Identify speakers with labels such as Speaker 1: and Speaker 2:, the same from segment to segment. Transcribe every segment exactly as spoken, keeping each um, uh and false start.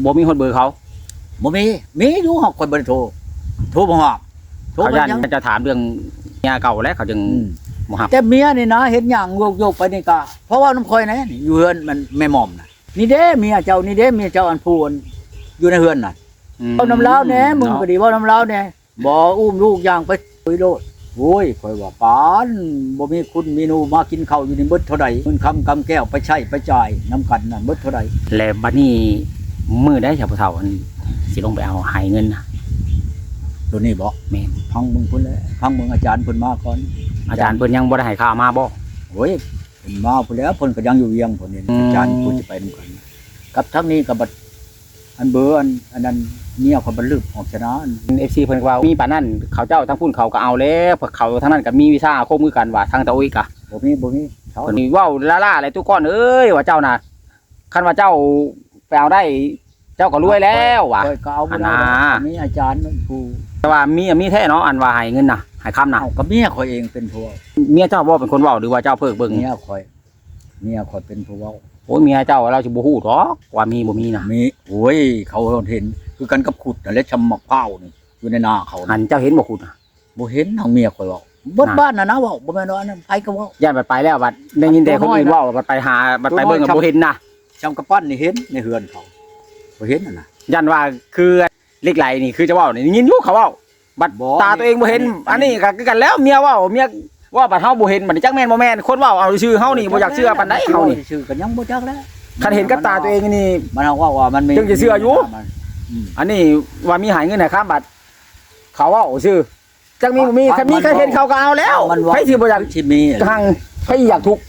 Speaker 1: บ่มีคนเบอร์เขา
Speaker 2: บ่มีมีอยู่หอกคนบ่ได้โทรโทรบ่ฮอดโทร
Speaker 1: เขา
Speaker 2: บ่
Speaker 1: ยัน
Speaker 2: ยัง
Speaker 1: จะถามเรื่องเมียเก่าแล้วเขาจึงบ่ฮับ
Speaker 2: แต่เมียนี่นะเห็นหยังโยกๆไปนี่ก็เพราะว่าน้ำคอยนะนี่อยู่เฮือนมันแม่หม่อมน่ะนี่เด้เมียเจ้านี่เด้เมียเจ้าอันพูนอยู่ในเฮือนน่ะเว้าน้ำลาวแหน่มึงก็ดีเว้าน้ำลาวแหน่บ่อุ้มลูกย่างไปไปโลดโอ้ยข่อยว่าปานบ่มีคุณมีหนูมากินข้าวอยู่นี่เบิดเท่าใดเงินคำกำแก้วไปใช้ไปจ่ายน้ำกันนั่นเบิดเท่าใด
Speaker 1: แล้วบัดนี้มื้อใดชาวผู้เฒ่าอันสิลงไปเอาให้เงินนะ
Speaker 2: ตัวนี้บ่
Speaker 1: แม่น
Speaker 2: พังมึงพุ่นแล้วพังมึงอาจารย์เพิ่นมาก่อน
Speaker 1: อาจารย์เพิ่นยังบ่ได้ให้ข่าวมาบ่
Speaker 2: โอ้ยเพิ่นมาพุ่นแล้วเพิ่นก็ยังอยู่เวียงพุ่นนี่
Speaker 1: อืม
Speaker 2: อาจารย์พุ่นสิไปนำกันกับทั้งนี้ก็บัดอันเบอร์อันอันนั้นเมียเขาบัดลึกออกชนะอัน
Speaker 1: เอฟซีเพิ่นก็ว่ามีปานนั้นเขาเจ้าทั้งพุ่นเขาก็เอาแล้วพวกเขาทั้งนั้นก็มีวิชาอาคมคือกันว่าทางตะอุ้ยกะ
Speaker 2: บ่มีบ่มีเขา
Speaker 1: เพิ่นนี่เว้าล่าๆอะไรทุกคนเอ้ยว่าเจ้าน่ะคันว่าเจ้าไปเอาได้เจ้าก็รวยแล้วว่ะ
Speaker 2: ข้อยก็เอาบ่ได้
Speaker 1: อันน่ะ
Speaker 2: มีอาจารย์นั่นผู้
Speaker 1: แต่ว่ามีมีแท้เนาะอันว่าให้เงินน่ะให้คำน่ะ
Speaker 2: เอากับเมียข่อยเองเป็นผู้เว้า
Speaker 1: เมียเจ้าบ่เป็นคนเว้าหรือว่าเจ้าเพิกเบิ่ง
Speaker 2: เมียข่อยเมียข่อยเป็นผู้เว้า
Speaker 1: โอ้ยเมียเจ้าเราสิบ่ฮู้ดอกว่ามีบ่มีน่ะ
Speaker 2: มีโอ้ยเขาเห็นคือกันกับขุดนั่นแหละชำมะพร้าวนี่อยู่ในนาเขา
Speaker 1: อั
Speaker 2: น่ะ
Speaker 1: นเจ้าเห็นบ่คุณน่ะ
Speaker 2: บ่เห็นทางเมียข่อยเว้าเบิดบ้านน่ะนะเว้าบ่แม่นว่าอันนั้นไผก็เว้า
Speaker 1: ย่านบัดไปแล้วบัดได้ยินแต่คนอื่นเว้าบัดไปหาบัดไปเบิ่งก็บ่เห็นน่ะ
Speaker 2: ชำกระปั้นนี่เห็นในเฮือนเขาบ่เห็นน่ะนะ
Speaker 1: ย่านว่าคือเหล็กไหลนี่คือจะเว้านี่ยินอยู่เขาเว้าบัด
Speaker 2: บ่
Speaker 1: ตาตัวเองบ่เห็น
Speaker 2: อั
Speaker 1: อั
Speaker 2: น
Speaker 1: น
Speaker 2: นี้
Speaker 1: นี้ก็คือกันแล้วเมียเว้าเมียว่าบัดเฮาบ่เห็นบัดนี้จักแม่นบ่แม่นคนเว้าเอาชื่อเฮานี่บ่อยากเชื่อปานใดเฮานี่
Speaker 2: ชื่อก็ยังบ่จักแล้ว
Speaker 1: คันเห็นกับตาตัวเองนี่
Speaker 2: มันเอาว่าว่ามันมี
Speaker 1: จึงจะเชื่ออยู่
Speaker 2: มันอืม
Speaker 1: อันนี้ว่ามีหายเงินให้ครับบัดเขาเว้าชื่อจักมีบ่มีคันมีใครเห็นเขาก็เอาแล้ว
Speaker 2: มันว่า
Speaker 1: ใครสิบ่อยาก
Speaker 2: สิมี
Speaker 1: ทางใครอยากทุกข์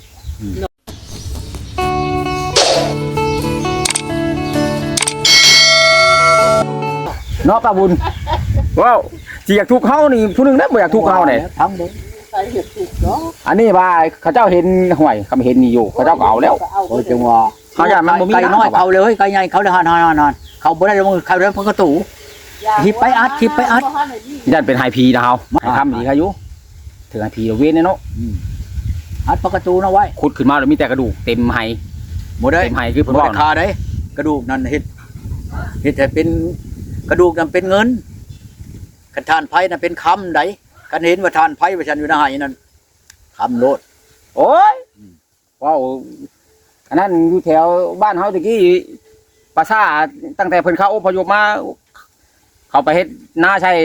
Speaker 1: เนาะป้าบุญว้าวสิอยากทุกข์เฮานี่ผู้หนึงได้บ่อยากทุกข์เฮานี่
Speaker 2: ทั้งเด้
Speaker 3: ใส่เห็ดถูกเนาะ
Speaker 1: อันนี้ว่าเขาเจ้าเห็นห่วยเขาไม่เห็นนี่อยู่เขาเจ้าก็เอาแล้ว
Speaker 2: โอ้ยจังว่า
Speaker 1: เขาอยากมันบ่มี
Speaker 2: ไก่น้อย
Speaker 1: นะ
Speaker 2: เขาเลยเฮ้ยไก่ใหญ่เขาเลยหานๆๆเขาบ่ได้ลงมือเขาเดินเพิ่นก็ตู่ หิบไปอัดหิบไปอัด
Speaker 1: ยันเป็นไฮพีนะเฮาให้ทำดีเขาอยู่ถึงไฮพีเว้นเนาะ
Speaker 2: อืมอัดประตูนะไว้
Speaker 1: ขุดขึ้นมาแล้วมีแต่กระดูกเต็มไฮ
Speaker 2: บ่ได้
Speaker 1: เต็มไฮคือเพิ่น
Speaker 2: บ่
Speaker 1: ว่า
Speaker 2: ได้คาได้กระดูกนั่นเฮ็ดเฮ็ดให้เป็นกระดูกนั่นเป็นเงินคันทานไผนั่นเป็นคำใดคันเห็นว่าทานไผว่าฉันอยู่ในหายนั่นคำโลด
Speaker 1: โอ้ยว้าวอันนั้นอยู่แถวบ้านเฮาตะกี้ปราสาทตั้งแต่เพิ่นเข้าอพยพมา เขาไปเฮ็ดหน้าใช่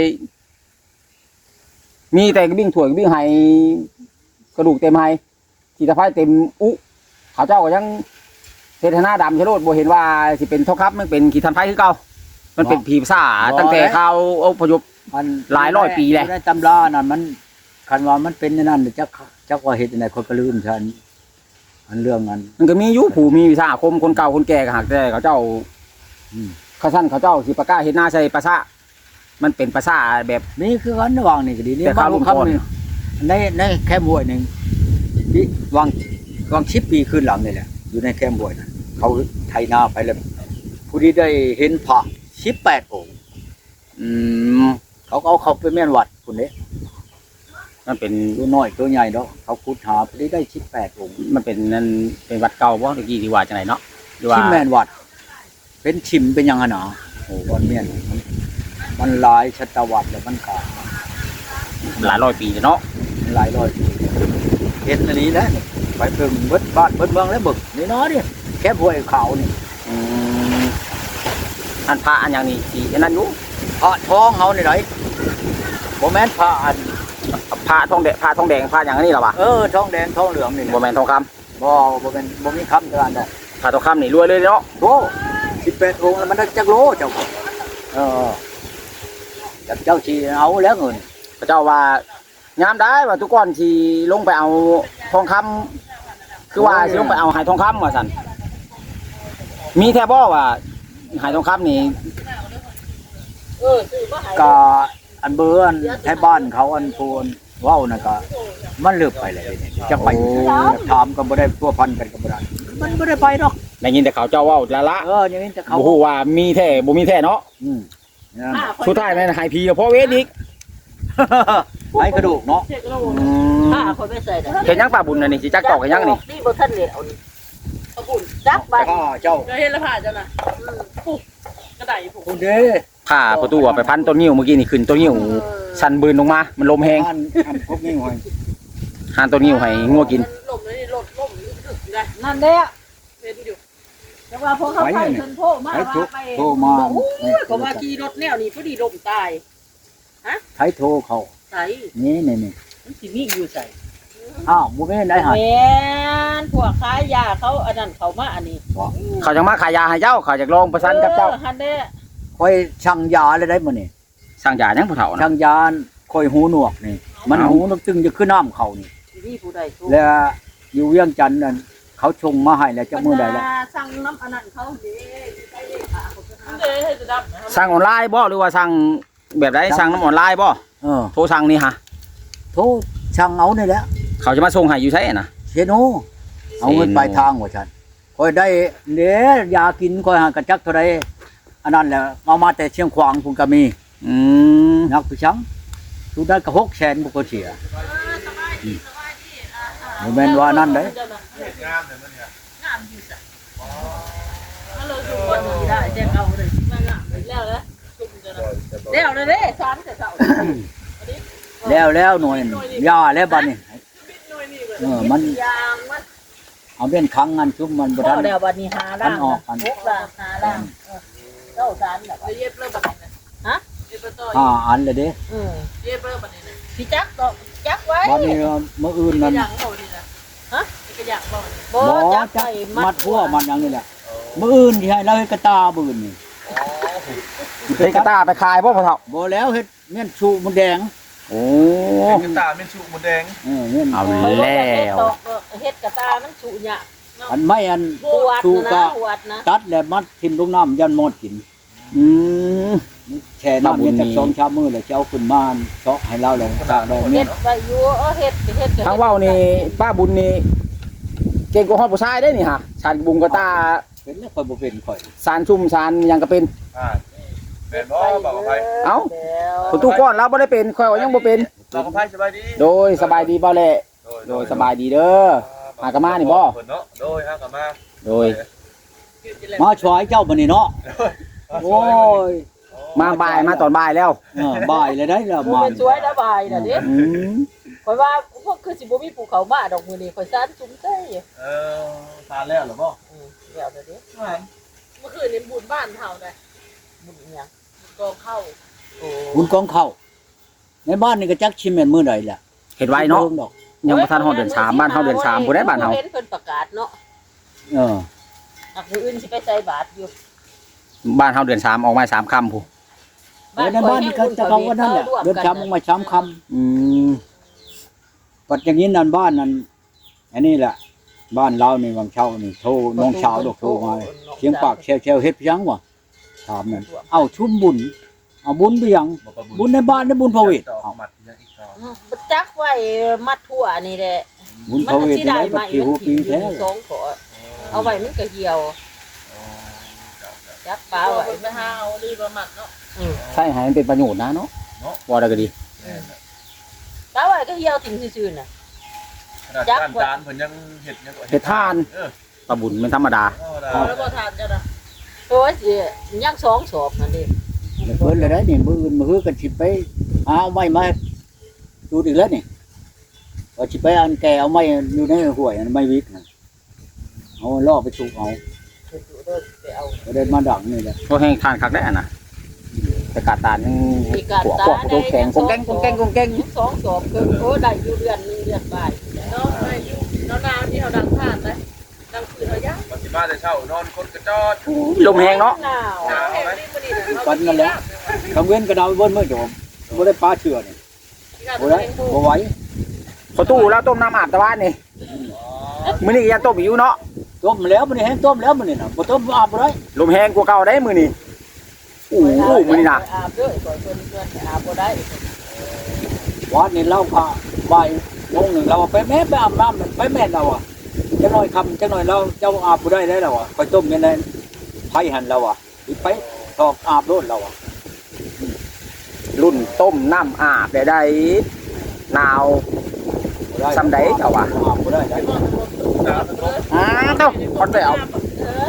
Speaker 1: มีแต่กระบิ่งถ่วยกระบิ่งไฮกระดูกเต็มไฮขีตะไคร้เต็มอุเขาเจ้าก็ยังเทศนาดำชะโลดบ่เห็นว่าสิเป็นทองคำมันเป็นขีทันไฟคือเก่ามันเป็นผีภาษาตั้งแต่เขาอพยพ
Speaker 2: มัน
Speaker 1: หลายร้อยปีแล้ว
Speaker 2: ในตำรานั่นมันคันว่ามันเป็นในนั้นจักจักว่าเฮ็ดจังได๋คนก็ลืมฉันอันเรื่องนั้น
Speaker 1: มันก็มีอยู่ผู้มีวิชาอาคมคนเก่าคนแก่ก็หักแต่เขาเจ้า
Speaker 2: อืม
Speaker 1: เขาสั้นเขาเจ้าสิประกาศเฮ็ดหน้าใส่ภาษามันเป็นภาษาแบบ
Speaker 2: นี่คือกันระหว่างนี่ก็ดีนี่
Speaker 1: แต่
Speaker 2: บา
Speaker 1: ข้าง วลุง
Speaker 2: คำ
Speaker 1: พร
Speaker 2: นี่ในในแคมป์ห้วยหนึงที่วางวางสิบปีขึ้นหลังนี่แหละอยู่ในแคมป์ห้วยนั่นเขาไถนาไปแล้วผู้ที่ได้เห็นพระสิบแปดองค์
Speaker 1: อืม
Speaker 2: เขาก็เอาเขาไปแม่นวัดพุ่นเด้
Speaker 1: มันเป็น
Speaker 2: ตัวน้อยตัวใหญ่เนาะเขาขุดหาผู้ที่ได้สิบแปดองค์
Speaker 1: มันเป็นนั่นเป็นวัดเก่าบ่ตะกี้ที่ว่าจังไดเนาะหรือว่า
Speaker 2: ที่แม่นวัด เป็นชิมเป็นหยังอะหนาโอ้วันเมียนมันมันหลายศตวรรษแล้วมันก็
Speaker 1: หลายร้อยปีแล้วเนาะ
Speaker 2: หลายร้อยปีเห็นอันนี้แหละไปเพิ่งเบิดบ้านเบิดเมืองแล้วบึกนี่เนาะนี่แค่ห้วยเขานี่
Speaker 1: อืมอันพระอันอย่างนี้สิอันนั้นอยู่
Speaker 2: พระทองเฮานี่ไหนบ่แม่นพระอัน
Speaker 1: พระทองแดงพระทองแดงพระอย่างนี้เหรอวะ
Speaker 2: เออทองแดงทองเหลืองนี่แหละ
Speaker 1: บ่แม่นทองคำ
Speaker 2: บ่บ่เป็นบ่มีคำเท่านั้นดอก
Speaker 1: พระทองคำนี่รวยเลยเนาะ
Speaker 2: โอ้สิบแปดองค์แล้วมันได้จักโลเจ้าเออจักเจ้าชีเอาแล้วเงิน
Speaker 1: พระเจ้าว่ายามได้ว่าทุกคนสิลงไปเอาทองคำคือว่าสิลงไปเอาหายทองคำว่าซั่นมีแท้บ่ว่าหายทองคำนี่
Speaker 3: เออซื้อมาให้
Speaker 2: ก็อันเบอร์อันแท้บ้านเขาอันโพนเว้าน่ะก็มันเลิกไปแล้วนี่จะไปถามก็บ่ได้พัวพันกันก็บ่ได้มันบ่ได้ไปดอก
Speaker 1: ได้ยินแต่เขาเจ้าเว้าละละ
Speaker 2: เอออย่างนี้จะเขา
Speaker 1: บ่ฮู้ว่ามีแท้บ่มีแท้เนาะ
Speaker 2: อืมนั่น
Speaker 3: ผ้าคน
Speaker 1: สุดท้ายแม่นหายพีเพราะเวทอีก
Speaker 2: ไอ้กระดูกเนาะ
Speaker 3: เช็คโล
Speaker 1: อืม
Speaker 3: ผ้าคนไม่ใส่ได้
Speaker 1: เห็นยังป้าบุญน่ะนี่สิจักตอกเห็นยังนี่
Speaker 3: นี่บ่ทันเหลียวนี่เอาบุญจัก
Speaker 2: แต่
Speaker 3: บัด
Speaker 2: ก็เจ้า
Speaker 3: เห็นแล้วผ้าเจ้าน่ะปุ๊บผม
Speaker 2: คุณเด้
Speaker 1: ผ้าประตูอะไปพันต้นนิ้วเมื่อกี้นี่ขึ้นต้นนิ้วสั่นบืนลงมามันลมแฮง
Speaker 2: อันอันพวกนี้หอย
Speaker 1: หานต้นนิ้วให้งัวกิน
Speaker 3: ลมเลยลมลมถึกได้
Speaker 4: นั่นเด้อ
Speaker 3: เป็นอยู่
Speaker 4: แต่ว่าพอเขาไปเพิ่นโทรมา
Speaker 2: ไอ้
Speaker 4: ว่า
Speaker 2: ทุก
Speaker 4: ไป
Speaker 2: โทรมา
Speaker 3: โอ้ยเขาว่าขี่รถแนวนี้พอดีลมตาย
Speaker 2: ใช้โทรเขา
Speaker 3: ใส่
Speaker 2: นี่นี่นี่
Speaker 3: มันสิมีอยู่ใส่
Speaker 2: อ้าวบ่แม่นได้หา
Speaker 3: แม่นพวกขายยาเขาอันนั้นเขามาอันนี้
Speaker 1: เขาจังมาขายยาให้เจ้าเขาจากลองประสานกับเจ้า
Speaker 3: ฮันเด้
Speaker 2: ค่อยช่างยาเลยได้มื้อนี่
Speaker 1: สั่งยายังผู้เฒ่านะ
Speaker 2: ช่างยาค่อยหูหนวกนี่ มันหูนกตึงจะขึ้นน้ำเขานี่
Speaker 3: มีผู้ใดสู้
Speaker 2: แล้วอยู่เวียงจันทน์นั่นเขาชงมาให้แล้วจะมื้อใดแล้ว
Speaker 3: สั่งน้ำอันนั้นเขาเด้ใส่เลขาเขาเด้ให้จะดับ
Speaker 1: สั่งออนไลน์บ่หรือว่าสั่งแบบใดสั่งน้ำออนไลน์บ่
Speaker 2: เออ
Speaker 1: โทรสั่งนี่ฮะ
Speaker 2: โทรช่างเอานี่แหละ
Speaker 1: เขาจะมาส่งให้อยู่ใช่น่ะ
Speaker 2: เชโนเอาเงินปลายทางว่าฉันค่อยได้เด้ยากินค่อยหากระจักเท่าใดอันนั้นแหละเอามาแต่เชียงขวางพุ่นก็มี
Speaker 1: อืม
Speaker 2: นักผู้ชังทุได้ก็หกแสนบ่ก็เสียบ่แม่นว่านั่นเด้
Speaker 3: งามเลยมันเนี่ยงามอยู่จ้ะถ้าเราดูคนได้แต่เอาเลยมางามแล้วแล้วแล้วเลยเด้สามแต่เสา
Speaker 2: แล้วแล้วหน่วยยาแล้วบัดนี้เออมัน
Speaker 3: ยางมัน
Speaker 2: เอาเป็นครั้งงานชุบมันบ่
Speaker 3: พ
Speaker 2: ทั
Speaker 3: อน แล้ววันนี้หาล่าง
Speaker 2: อันออกอัน
Speaker 3: หกล่างหาล่างเก้าสามแบบเย็บเริ่มบัดนี้ฮะเย็บต่อ
Speaker 2: ห้าอันเลยเด้
Speaker 3: อืมเย็บเริ่มบัดนี้พี่จักก็จักไว้
Speaker 2: บัดนี้มื้ออื่นนั้น
Speaker 3: อย่างบ่นี่นะฮะกระอย่างบ่นี่
Speaker 2: บ่
Speaker 3: จัก
Speaker 2: จัก
Speaker 3: ไป
Speaker 2: มัดหัวมันหยังนี่แหละมื้ออื่นที่ให้เราเฮ็ดกระตามื้ออื่นนี่
Speaker 1: เฮ็ดกระตาไปขายบ่ผู้เฒ่า
Speaker 2: บ่แล้วเฮ็ดเมี่ยนชูมันแดง
Speaker 1: โอ้
Speaker 5: เป็นตาเป็นชูหมดแดง
Speaker 2: เออเมี่ยน
Speaker 1: เอา
Speaker 3: เฮ็ด
Speaker 1: แล้ว
Speaker 3: ดอกเฮ็ดกระตามันสุหยะ
Speaker 2: อันไม่อัน
Speaker 3: ปวด
Speaker 2: ชู
Speaker 3: นะ
Speaker 2: ก็
Speaker 3: ปวดนะ
Speaker 2: ตัดแล้วมัดทิ่มลงน้ำยันหมดกิน
Speaker 1: อืม
Speaker 2: แช่น้ำเย็นจักสองชามมื้อแล้วจะเอาขึ้นมาเซาะให้เราแล้วตากดอกเมี่
Speaker 3: เฮ็
Speaker 2: ยน
Speaker 3: ดไว้อยู่เออเฮ็ดเฮ็ด
Speaker 1: ทางเว้านี่ป้าบุญนี่เก่งกว่าฮอดผู้ชายได้นี่ฮะสานบุงกระตา
Speaker 2: เป็นแล้วค่อยบ่เป็นค่อย
Speaker 1: สารชุ่มสารหยังก็เป็น
Speaker 5: อ่าเป็นบ่บอกกับไผ
Speaker 1: เอ้า ประตูก้อนเราบ่ได้เป็นข่อยว่ายังบ่เป็น
Speaker 5: บอกกับไผสบายดี
Speaker 1: โดยสบายดีบ่แหละโดยสบายดีเด้อ หากะมานี่บ่
Speaker 5: เพิ่นเนาะโดยหากะมา
Speaker 1: โดย
Speaker 2: มาช่วยเจ้าบัดนี้เนาะโอ้ย
Speaker 1: มาบ่ายมาตอนบ่ายแล้ว
Speaker 2: เออบ่ายเลยได้แล้ว
Speaker 3: มัน
Speaker 2: มา
Speaker 3: เป็นสวยระบายน่ะเด้
Speaker 1: อืม
Speaker 3: ข่อยว่าพวกคือสิบ่มีภูเขามาดอกมื้อนี้ข่อยซ่านจุ้มเต้ย
Speaker 5: เออทานแล้วเหรอบ่
Speaker 3: อือเดี๋ยวเด้อ
Speaker 4: เมื่อคืนนี้บุญบ้านเฮาได้
Speaker 3: บุญอีหยัง
Speaker 4: กองเข้า
Speaker 3: โอ้
Speaker 2: บุญกองเข้าในบ้านนี่ก็จักชิมแม่นมื้อใดล่ะ
Speaker 1: เฮ็ดไว้เนาะ
Speaker 2: ดอก
Speaker 1: ยังบ่ทันฮอดเดือนสามบ้านเฮาเดือนสามบ่ได้บ้านเฮา
Speaker 3: เห็นเพิ่นประกาศเนาะ
Speaker 2: เออ
Speaker 3: อักมื้ออื่นสิไปใส่บาตรอยู่
Speaker 1: บ้านเฮาเดือนสามออกมาสามค่ำผู้
Speaker 2: เออในบ้านนี่ก็จะเขาว่านั่นแหละเดินช้ำลงมาช้ำค
Speaker 1: อืม
Speaker 2: ำปัดอย่างนี้นั่นบ้านนั้นอันนี้แหละบ้านเรานี่วังเช่านี่โทรน้องสาวดอกโทรมาเสียงปากแชวแชวๆเฮ็ดเพียงวะถามนั่นเอาชุ่มบุญเอาบุญไปยังบุญในบ้านในบุญพระเวท
Speaker 5: เอา
Speaker 2: เอา
Speaker 5: มัดยังอีกต่อ
Speaker 3: อืมบ่จักไว้มัดทั่วนี่แหละ
Speaker 2: บุญ
Speaker 3: มั
Speaker 2: พระ
Speaker 3: น
Speaker 2: เวท
Speaker 3: สิ
Speaker 2: ได้
Speaker 3: ได้
Speaker 2: ปั
Speaker 3: มา
Speaker 2: จ
Speaker 3: อี
Speaker 2: จุ
Speaker 3: ก
Speaker 2: บันปีแท้
Speaker 3: สองขอเอาไว้มันก็เหี่ยวจักปลา
Speaker 4: เอา
Speaker 3: ไว้
Speaker 4: ไปหาเอาดีประมาทเนาะ
Speaker 3: อืม
Speaker 1: ใช่ให้มันเป็นประโยชน์นะเนาะว่าได้ก็ดี
Speaker 3: ปลาไว้ก็เหี่ยวทิ้งซื่อๆน่ะ
Speaker 5: ขนาดจานจานเพิ่นยังเฮ็ดยัง
Speaker 1: เฮ็ดทาน
Speaker 5: เออ
Speaker 1: ปลาบุญเป็นธรรมดา
Speaker 4: เอาแล้วก็ทานจ้ะนะ
Speaker 3: โอ้ยสิยังสองศพนั่นดิ
Speaker 2: เพิ่นเลยได้นี่มืออื่นมือกันสิไปเอาไม้มาดูอีกแล้วนี่ว่าสิไปอันแกเอาไม้อยู่ในห้วยอันไม้วิกน่ะเอาล่อไปถูกเอา
Speaker 3: ไปดูเด้อไปเอา
Speaker 2: ก็ได้มาดังนี่แหละ
Speaker 1: เพราะแห้งทานคักได้อะนะแต่กาดตานยัง
Speaker 3: มีการ
Speaker 1: หัว
Speaker 3: ตา
Speaker 1: ขวบตัวแข็งกงแกงกงแกงกงแกง
Speaker 3: สองศพคือโอ้ได้อยู่เดือนหนึงเดือนบ่าย
Speaker 4: เนาะไปอยู่เนาะนาวที่เฮาดังทานได้ดังคืนเฮายัง
Speaker 5: มันสิมาแต่เช้านอนคนกระจอด
Speaker 1: ลมแห้งเนาะ
Speaker 3: หนาว
Speaker 4: หนาวแห้งนี่บ่ดีนะ
Speaker 2: กันนั่นแหละกังเว้นกระดาวเบิ้ลเมื่อโจมบ่ได้ปลาเชื่อนี่บ่ได้บ่ไหว
Speaker 1: ประตูแล้วต้มน้ำอาบตะวันนี่มื้อนี้ก็ยังต้มอยู่เนาะ
Speaker 2: ต้มแล้วมันนี่แห้งต้มแล้วมันนี่น่ะบ่ต้มอาบบ่ได้
Speaker 1: ลมแห้งกว่าเก่าได้มื้อนี้อู้หูมื้อนี้นะ
Speaker 3: อาบด้วยก่อนเพิ่นเพิ่นอาบบ่ได้
Speaker 2: วันนี้เราก็บ่ายโมงหนึงเราไปแม่ไปอาบน้ำนั่นไปแม่เราอ่ะจักหน่อยค่ำจักหน่อยเราเจ้าอาบบ่ได้ได้แล้วอ่ะไปต้มยังไงไผหันเราอ่ะอีไปตอกอาบโลดเราอ่ะ
Speaker 1: รุ่นต้มน้ำอาบได้ได้หนาว
Speaker 2: บ่ได้
Speaker 1: ซ้ำใดเจ้าว่ะ
Speaker 2: อาบบ่ได้ได้
Speaker 1: อ้าเต้าคอนไปเอา
Speaker 3: เออต้มอาบ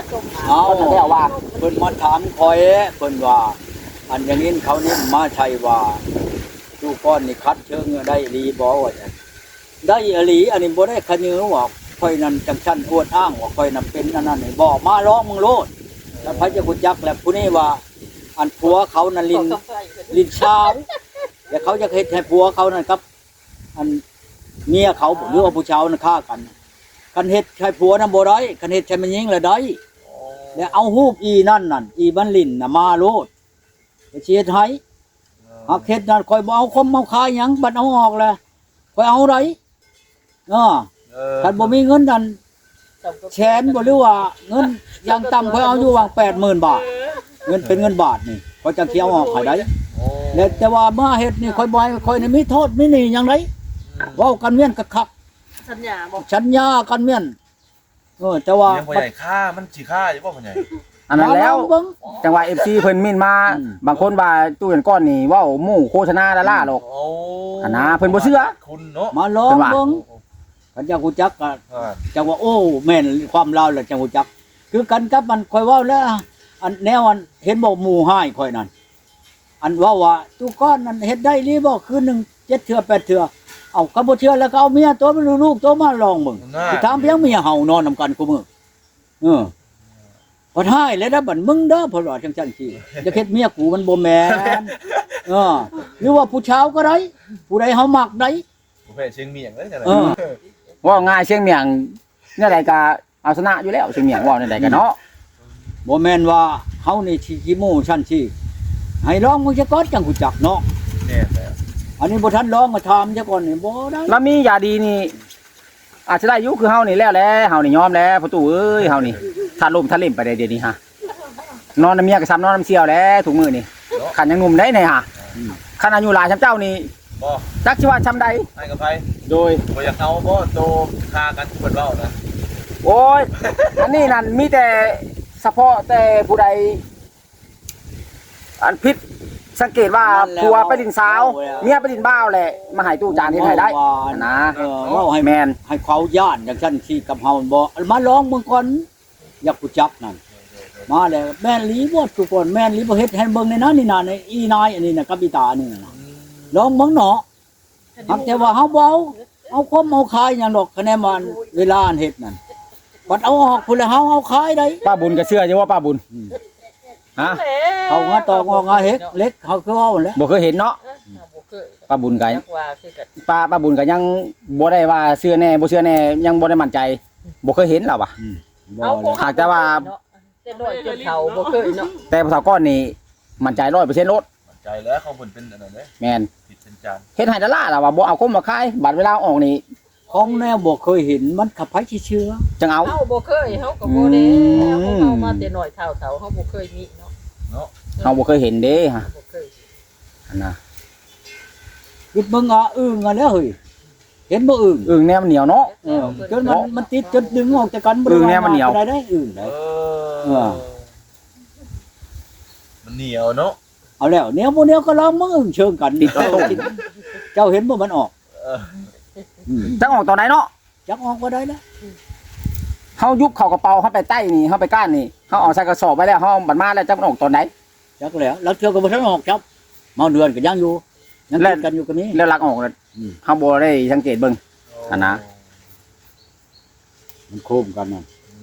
Speaker 2: เอา
Speaker 1: ก็จะได้ว่า
Speaker 2: เพิ่นมาถามคอยเพิ่นว่า อันอย่างนี้เขานี่มาใช่ว่าตู้ก้อนนี่คัดเชิงได้อีหลีบ่ว่าจังได้อีหลีอันนี้บ่ได้ขะยือว่าค่อยนั้นจังชั้นอวดอ้างว่าค่อยนั้นเป็นอันนั้นนี่บ่มาร้องมึงโลดแล้วพระเจ้ากุจักแล้วผู้นี้ว่า อันผัวเขานั่นลินลินชาวแล้วเขาจะเฮ็ดให้ผัวเขานั่นครับ อันเมียเขาหรือว่าผู้ชาวนั่นฆ่ากันคันเฮ็ดให้ผัวนั่นบ่ได้คันเฮ็ดให้มันยิงแล้วได้แล้วเอาฮูบอีนั่นนั่นอีบันลินน่ะมาโลดไปเชียร์ไทยหากเฮ็ดนั่นคอยบ่เอาคมเอาคายหยังบัดเอาออกแล้วคอยเอาได้เออ
Speaker 5: เออ
Speaker 2: คันบ่มีเงินนั่นแสนบ่หรือว่าเงินอย่างต่ำคอยเอาอยู่วาง แปดหมื่น บาทเงินเป็นเงินบาทนี่คอยจังสิเอาออกให้ได้
Speaker 5: โอ้
Speaker 2: แล้วแต่ว่ามาเฮ็ดนี่คอยบ่ให้คอยนี่มีโทษมีหนี่หยังไดเว้ากันเมียนคัก
Speaker 3: สัญญาบอก
Speaker 2: ๆสัญญากันเมียนเออแต่ว่า
Speaker 5: ยังบ่ใหญ่ค่ามันสิค่าอยู่บ่พ่อใหญ่
Speaker 1: อันนั้นแล้ว
Speaker 2: เบิ่ง
Speaker 1: จังหวะ เอฟ ซี เพิ่นมินมา
Speaker 2: อืม
Speaker 1: บางคนว่าตู้เงินก้อนนี่เว้าหมู่โฆษณาดาราหรอก
Speaker 5: โอ้
Speaker 1: อันน่ะเพิ่นบ่เชื่อ
Speaker 5: คุณเนาะ
Speaker 2: มาลอง
Speaker 1: เป็นว่า
Speaker 2: เบิ่งคันจังฮู้จักก็
Speaker 5: อ่า
Speaker 2: จังว่าโอ้แม่นความลาวแล้วจังฮู้จัก คือกันกับมันคอยเว้าแล้ว อันแนวอันเห็นบอกหมู่ให้คอยนั่นอันเว่าว่าตุก้อนนั่นเฮ็ดได้หรือบ่คืนหนึงเจ็ดเทื่อแปดเทื่อเอาก็บ่เชื่อแล้วก็เอาเมียตัวมันลูกตัวมาลองเบิ่ง
Speaker 5: น่า
Speaker 2: สิถามเพียงเมียเฮานอนนำกันกูมื้อเออพอท้ายแล้วนะบัดมึงเด้อเพนว่าจังซั่นสิจะเฮ็ดเมียกูมันบ่แม่นเออหรือว่าผู้ชาวก็ได้ผู้ใดเฮามักได้
Speaker 5: ผู้แพ้เชียงเมียงเลยจังได๋
Speaker 2: เออ
Speaker 1: ว่าง่ายเชียงเมียงเนี่ยใดก็เอาชนะอยู่แล้วเชียงเมียงว่าเนี่ยใดก็เนาะ
Speaker 2: บ่แม่นว่าเฮานี่สิขี้โม้ชั้นสิให้ลองมึงจะก่อนจังฮู้จักเนาะ
Speaker 5: แน่แล้ว
Speaker 2: อันนี้บ่ทันลองมาถามซะก่อนนี่บ่ได้
Speaker 1: แล้วมียาดีนี่ อาจจะได้อยู่คือเฮานี่แล้วแหละเฮานี่ยอมแล้วประตูเอ้ยเฮานี่ถ้าลมถ้าเล่มไปได้เดี๋ยวนี้ฮะนอนน้ำเมียก็ซ้ำนอนน้ำเสี่ยวแล้วถุงมือนี่ขันยังหนุ่มได้เนี่ยฮะขันอายุหลายช้ำเจ้านี่
Speaker 5: บ่
Speaker 1: จักชิว่าช้ำใด
Speaker 5: ให้กับไผ
Speaker 1: โดย
Speaker 5: บ่อยากเอาบ่โตค่ากันที่เพิ่นเว้านะ
Speaker 1: โอ้ยอันนี้นั่นมีแต่เฉพาะแต่ผู้ใดอันพิษสังเกตว่าผัวไปดินสาวเมียไปดินบ้าวแหละมาใหายตู้จานที่ไทยได้นะ
Speaker 2: เออเว้าให้
Speaker 1: แมน
Speaker 2: ให้เขาย่านจังซั่นสิกับเฮาบ่มาลองเบิ่งก่อนอยากฮู้จักนั่นมาแล้วแม่นหลีบ่ทุกคนแม่นหลีบ่เฮ็ดให้เบิ่งในนั้นนี่น่ะในอีนายอันนี้น่ะกับอีตานี่น่ะลองเบิ่งเนาะหักแต่ว่าเฮาบ่เอาเอาคมเอาคายหยังดอกคะแนนมันเวลาอันเฮ็ดนั่นบัดเอาออกพุ่นแล้วเฮาเอาคายได้
Speaker 1: ป้าบุญก็เชื่ออยู่ว่าป้าบุญฮะ
Speaker 2: เอางาตอกงอกงาเฮ็ดเล็กเขาคือเว้าแหล้ว
Speaker 1: บ่เคยเห็นเนาะ
Speaker 3: บ่เคย
Speaker 1: ป้าบุญก็
Speaker 3: จักว่าคือกัน
Speaker 1: ป้าป้าบุญก็ยังบ่ได้ว่าเชื่อแน่บ่เชื่อแน่ยังบ่ได้มั่นใจบ่เคยเห็นหรอวะ
Speaker 2: บ่
Speaker 3: เอา
Speaker 2: แล้ว
Speaker 1: หากแต่ว่า
Speaker 3: แต่น้อยจนเฒ่าบ่เคยเนาะ
Speaker 1: แต่ภาษาก้อนนี่มั่นใจ ร้อยเปอร์เซ็นต์ โลด
Speaker 5: มั่นใจแล้วเขาเพิ่นเป็นอันนั้นเด้
Speaker 1: แม่น
Speaker 5: ผิดเป็นจาน
Speaker 1: เฮ็ดให้ดาราล่ะว่าบ่เอาคมมาขายบัดเวลาออกนี่
Speaker 2: ของแนวบ่เคยเห็นมันขับไผสิเชื่อ
Speaker 1: จังเอา
Speaker 3: เฮาบ่เคยเฮาก็บ่ได้
Speaker 1: อืม
Speaker 3: เฮามาแต่น้อยเฒ่าเฒ่าเฮาบ่เคยมีเนาะ
Speaker 5: เนาะ
Speaker 1: เฮาบ่เคยเห็นเด้ฮะ
Speaker 3: บ่เคย
Speaker 1: อันน่ะ
Speaker 2: คิดมึงอ่ะอึ้งอ่ะแล้วเฮ้ยเห็นบ่อึ้ง
Speaker 1: อึ่งแนวมันเหนียวเนาะ
Speaker 2: เออจนมันมันติดจนดึงออกจากกันบ่
Speaker 1: อึ่งเนี่ยมันเหนียว
Speaker 2: ได้ได้อึ้ง
Speaker 5: เอ
Speaker 2: ได้
Speaker 5: อ
Speaker 2: เออ
Speaker 5: มันเหนียวเนาะ
Speaker 2: เอาแล้วเนี้ยบ่เนี้ยก็ลองมึงอึ้งเชิงกัน
Speaker 1: ติดกระตุ้น
Speaker 2: เจ้าเห็นบ่มันออก
Speaker 5: เออ
Speaker 2: อืม
Speaker 1: จังออกตอนไหนเนาะ
Speaker 2: จักออกบ่ได้แล้ว
Speaker 1: เฮายุบเข้ากระเป๋าเฮาไปใต้นี่เฮาไปก้านนี่เฮาเอาใส่กระสอบไว้แล้วเฮาบัดมาแล้วจักมันออกตอนไหน
Speaker 2: จักแล้วแล้วเทื่อก็บ่ทันออกครับเมาเดือนก็ยังอยู่ยัง
Speaker 1: แล้ว
Speaker 2: ติดกันอยู่ก็มี
Speaker 1: แล้วลักออกแล้ว
Speaker 2: อืม
Speaker 1: เฮาบ่ได้สังเกตเบิ่ง อันนะ
Speaker 2: มันโค้มกันนั่น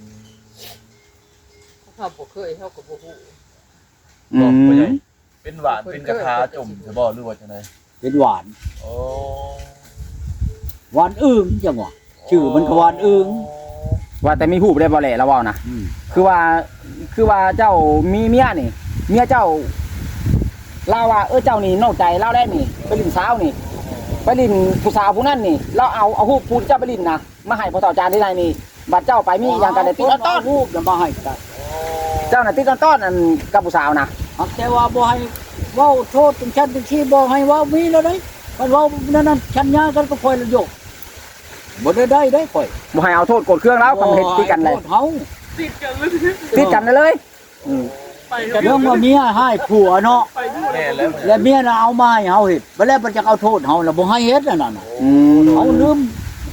Speaker 3: เฮาบ่เคยเฮาก็บ่ฮู้
Speaker 1: อื
Speaker 5: บอกบ่ใหญ่
Speaker 1: ม
Speaker 5: เป็นหวานเป็นกระทาจมจะบ่หรือว่าจังได๋
Speaker 2: เป็นหวาน
Speaker 5: โอ้
Speaker 2: หวานอึ้งจังหวะชื่อมันก็หวานอึ้ง
Speaker 1: ว่าแต่มีฮู้บ่ได้บ่แหละแล้วเว้านะ
Speaker 2: อืม
Speaker 1: คือว่าคือว่าเจ้ามีเมียนี่เมียเจ้าเล่าว่าเออเจ้านี่นอกใจเล่าได้นี่ไปลินสาวนี่ไปลินผู้สาวผู้นั้นนี่เราเอาเอาฮู้ผู้ที่เจ้าไปลินนะมาให้พ่อเฒ่าจานที่ไหนนี่บัดเจ้าไปมีอย่างกันได้ติดต้อน
Speaker 2: รูปแล้วมาให้กัน
Speaker 1: เจ้าน่ะติดต้อนอันกับผู้สาวนะ
Speaker 2: หักแต่ว่าบ่ให้เว้าโทษถึงชั้นถึงที่บ่ให้เว้ามีแล้วได้มันเว้านั่นนั่นชั้นยากันก็ค่อยละโยกบ่ได้ได้ได้ค่อย
Speaker 1: บ่ให้เอาโทษกดเครื่องแล้วคำเห็นติดกันเลย
Speaker 2: โทษเฮา
Speaker 3: ติดกันเลย
Speaker 1: ติดกันเลย
Speaker 3: ไป
Speaker 2: เรื่องว่าเมียให้ผัวเนาะ
Speaker 3: ไปด้วย
Speaker 5: แม่แล้ว
Speaker 2: แล้วเมียน่ะเอามาให้เฮาเฮ็ดบ่แล้วมันจะเอาโทษเฮาแล้วบ่ให้เฮ็ดนั่นน่ะ
Speaker 1: อืม
Speaker 2: เฮาลืมเฮ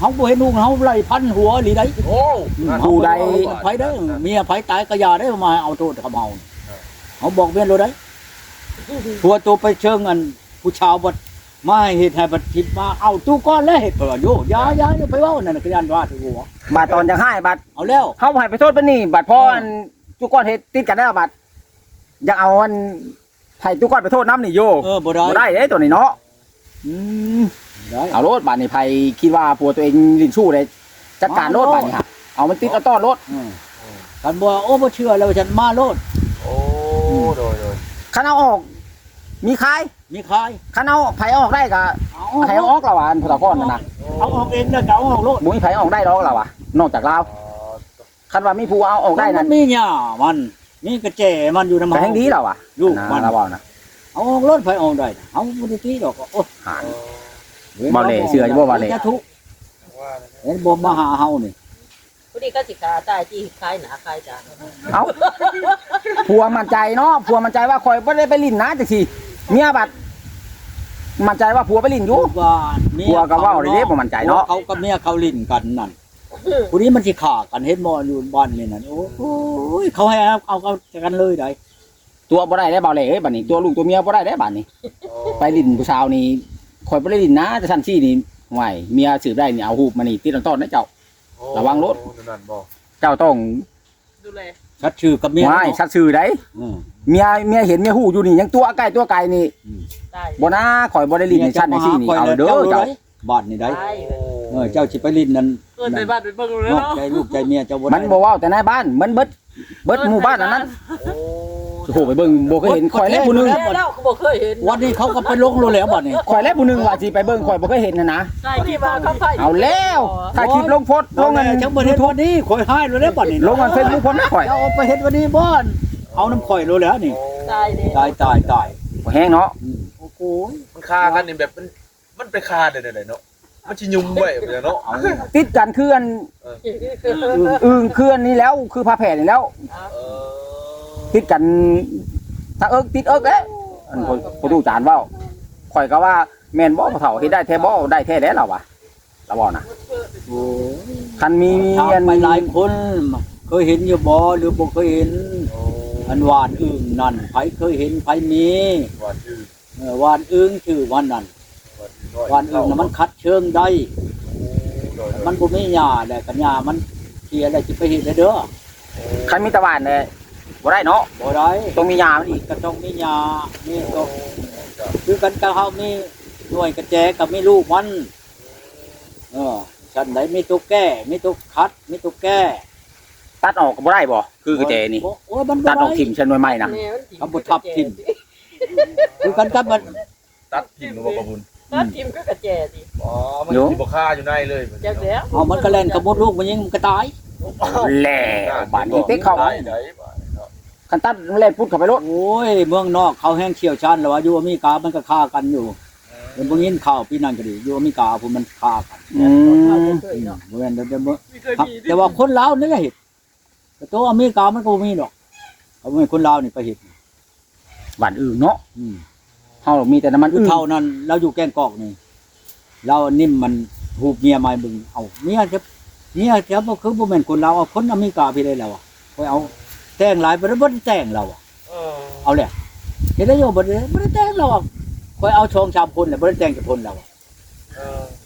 Speaker 2: ฮาบ่เห็นลูกเฮาไล่พันหัวอีหลีได้
Speaker 5: โอ้
Speaker 1: ผู้ใด
Speaker 2: ไผเด้อเมียไผตายก็อย่าได้มาเอาโทษกับเฮาเฮาบอกเมียโลดได้ผัวตัวไปเชิงอันผู้ชาวบ่มาให้เฮ็ดให้บัดทิพมาเอาตู้ก้อนแล้วเฮ็ดเพิ่นว่าโยอย่าอย่าอย่าไปเว้านั่นน่ะคือย่านว่าถือหัว
Speaker 1: บาดตอนจะให้บาด
Speaker 2: เอาแล้ว
Speaker 1: เฮาให้ไปโทษปานนี้บาดพออันทุกก้อนเฮ็ดติดกันได้บาดอยากเอาอันให้ทุกก้อนไปโทษน้ำนี่โย
Speaker 2: เออบ่ได้
Speaker 1: บ่ได้เด้ตัวนี้เนาะ
Speaker 2: อืมได้
Speaker 1: เอาโลดบาดนี่ไผคิดว่าผัวตัวเองลิ้นชู้เลยจัดการโลดบาดนี่ฮะเอามันติดเอาต้อนโลด
Speaker 2: อืมกันบ่โอ้บ่เชื่อแล้วฉันมาโลด
Speaker 5: โอ้โดยโดย
Speaker 1: คันเอาออกมีขาย
Speaker 2: มีขาย
Speaker 1: คันเอาไผออกได้ก็
Speaker 2: เอา
Speaker 1: ไผเอาออกแล้วว่าอันพุทธก้อนนั่นน่ะ
Speaker 2: เอาออกเองแล้วก็เอาออกโลด
Speaker 1: บ่มีไผออกได้ดอกแล้วว่ะนอกจากลาวคันว่ามีผู้เอาออกได้
Speaker 2: มั
Speaker 1: นั่น
Speaker 2: นมีหญ้ามันมีกระแจมันอยู่นำ
Speaker 1: ก็แห่งดีแล้วว่ะ
Speaker 2: ลูกมัน
Speaker 1: นะเราเว้านะ
Speaker 2: เอาออกรถไผออกได้เอาบ่ได้ตีดอกโอ้
Speaker 1: หา บ่เลยเชื่ออยู่บ่ว่าเลย
Speaker 2: จะทุกข์เห็นบ่มาหาเฮานี่
Speaker 4: ผู้นี้ก็สิขาตายที่คล้ายหนาคล้ายจาน
Speaker 1: เอ้าผัวมั่นใจเนาะผัวมั่นใจว่าข่อยบ่ได้ไปลิ้นนะจังซี่เมียบัดมั่นใจว่าผัวไปลิ้นอยู่
Speaker 2: ว่าเมีย
Speaker 1: ผัวก็เว้าเลยเด้บ่มั่นใจเนาะ
Speaker 2: เขากับเมียเขาลิ้นกันนั่นผู้นี้มันสิฆ่ากันเห็นบ่อยู่บ้านนี่นั่นโอ้ยเขาให้เอาเอากันเลยได้
Speaker 1: ตัวบ่ได้ได้เบาเลยเอ้ยบัดนี้ตัวลูกตัวเมียบ่ได้ได้บัดนี้ ไปลิ้นผู้สาวนี่ข่อยบ่ได้ลิ้นนะแต่ซั่นซี่นี่ห่วยเมียสืบได้นี่เอาฮูบมานี่ติดต้นนะเจ้า ระวังรถ
Speaker 5: นั่นบ่
Speaker 1: เจ้าต้อง
Speaker 4: ดูแล
Speaker 2: ชัดชื่อกับเมีย
Speaker 1: ว้ายชัดชื่อได้
Speaker 2: อืม
Speaker 1: เมียเมียเห็นเมียฮู้อยู่นี่ยังตัวใกล้ตัวไกลนี่
Speaker 4: ตาย
Speaker 1: บ่นะข่อยบ่ได้ลิ้นในชั้นในซี่นี่เอาเด้อเจ้า
Speaker 2: บ้านนี่ได้
Speaker 4: ตาย
Speaker 2: เออเจ้าสิไปลิ้นนั่น
Speaker 4: เกินไปบ้านไปเบิ่งเลย
Speaker 2: นอก
Speaker 4: เนาะ
Speaker 2: ใจลูกใจเมียเจ้าบ่ได้
Speaker 1: มันบ่เว้าแต่ในบ้านมันเบิดเบิดหมู่บ้านอันนั้น
Speaker 5: โอ้
Speaker 1: โอ้โหไปเบิ่งบ่เคยเห็นข่อยและผู้หนึง
Speaker 4: แล้วแล้วก็บ่เคยเห็น
Speaker 2: วันนี้เขาก็ไปลงโลแล้วบัดนี้
Speaker 1: ข่อยและผู้หนึงว่าสิไปเบิ่งข่อยบ่เคยเห็นนะนะ
Speaker 4: ใช่ที่มาเขาใส่
Speaker 1: เอาแล้วถ้าคลิปลงโพสต์ล
Speaker 2: ล
Speaker 1: ง
Speaker 2: ง
Speaker 1: เงิน
Speaker 2: จังบ่เฮ็ดวันนี้ข่อยหายโลแล้วบัดนี้
Speaker 1: ลงกันเฟซบุ๊กผมนะข่อย
Speaker 2: เจ้าเอาไปเฮ็ดวันนี้บ่อนเอาน้ำข่อยโลแล้วนี่
Speaker 4: ตายเด้
Speaker 2: ตายตายตาย
Speaker 1: บ่แห้งเนาะ
Speaker 2: อืมโอ้โห
Speaker 5: มันคากันนี่แบบมันมันไปคาได้ๆเนาะมันสิยุ่มไว้แบบเนาะ
Speaker 2: เอา
Speaker 1: ติดกันคืออันอึ้งคืออันนี้แล้วคือพาแผ่นี่แล้ว
Speaker 5: เออ
Speaker 1: ติดกันถ้าเอิกติดเอิกเด้อันผู้ผู้ดูจานเว้าข่อยก็ว่าแม่นบ่ผู้เฒ่าเฮ็ดได้แท้บ่ได้แท้แล้วล่ะวะเราบอกนะ
Speaker 2: โอ้ย
Speaker 1: คันมี
Speaker 2: ถาม
Speaker 1: อัน
Speaker 2: ไปหลายคนเคยเห็นอยู่บ่หรือบ่เคยเห็น
Speaker 5: โอ้
Speaker 2: อันหวานอึ่งนั่นไผเคยเห็นไผมี
Speaker 5: ว่าชื่อ
Speaker 2: เออหวานอึ่งชื่อวันนั้น
Speaker 5: ว่าชื่อน้อย
Speaker 2: หวานอึ่งน่ะมันคัดเชิงได้
Speaker 5: โดย
Speaker 2: มันบ่มีหญ้าแหละกันหญ้ามันเทียอะไรสิไปเฮ็ดได้เด้อ
Speaker 1: คันมีตะวันเนี่ยบ่ได้เนาะ
Speaker 2: บ่ได้
Speaker 1: ต้องมียามันอีก
Speaker 2: ก็ต้องมีหญ้านี่ก็คือกันกับเฮามีหน่วยกระแจกับมีลูกมันเออฉันได้มีตัวแก้มีตัวคัดมีตัวแก้
Speaker 1: ตัดออกก็บ่ได้บ่คือกระเจนี่
Speaker 2: โอ้ยมันบ่
Speaker 1: ตัดออก
Speaker 2: ได้
Speaker 1: ทิ่มชนวยใหม่นะ
Speaker 2: เอาบ่ทับทิ่ม คือกันกับมัน
Speaker 5: ตัดทิ่มหรือว่าบ่บุญ
Speaker 4: ตัดทิมก็กระแจดิ
Speaker 5: อ๋อมันสิบ่คาอยู่ในเลย
Speaker 4: จักแล้ว
Speaker 2: เอามันก็แล่นกับมดลูกมันยิงมันก็ตาย
Speaker 1: แล้วบาดนี้เต็กเข้า
Speaker 5: ได้ได้บาดเนาะ
Speaker 1: คันตัดมันเล่นพุดเข้าไปรถ
Speaker 2: โอ้ยเมืองนอกเขาแห้งเชี่ยวชาญแล้วว่าอยู่อเมริกามันก็ฆ่ากันอยู่เดี๋ยวบ่ยินข่าวพี่นั่นก็ดีอยู่อเมริกาพุ่นมันฆ่ากัน
Speaker 1: อืม
Speaker 2: อืมบ่แม่นเดี๋ยวเดี๋ยวบ่ครับแต่ว่าคนลาวนี่ก็เฮ็ดแต่ตัวอเมริกามันก็บ่มีดอกเอาบ่แม่นคนลาวนี่ไปเฮ็ด
Speaker 1: บ้านอื่นเนาะ
Speaker 2: อืม
Speaker 1: เฮามีแต่น้ำมัน
Speaker 2: คือ
Speaker 1: อื่น
Speaker 2: เท่านั้นเราอยู่แกงกอกนี่เรานิ่มมันหูบเมียมาให้เบึงเอาเมียจะเมียจะบ่คือบ่แม่นคนลาวเอาคนอเมริกาพี่ได้แล้วอ่ะไปเอาแต่งหลายบ่ได้บ่ได้แต่งเราอ่ะ
Speaker 5: เออ
Speaker 2: เอาแหละเห็นได้โยบ่ได้บ่ได้แต่งเราอ่ะคอยเอาชองชามคนแหละบ่ได้แต่งกับคนเราอะ
Speaker 5: เออ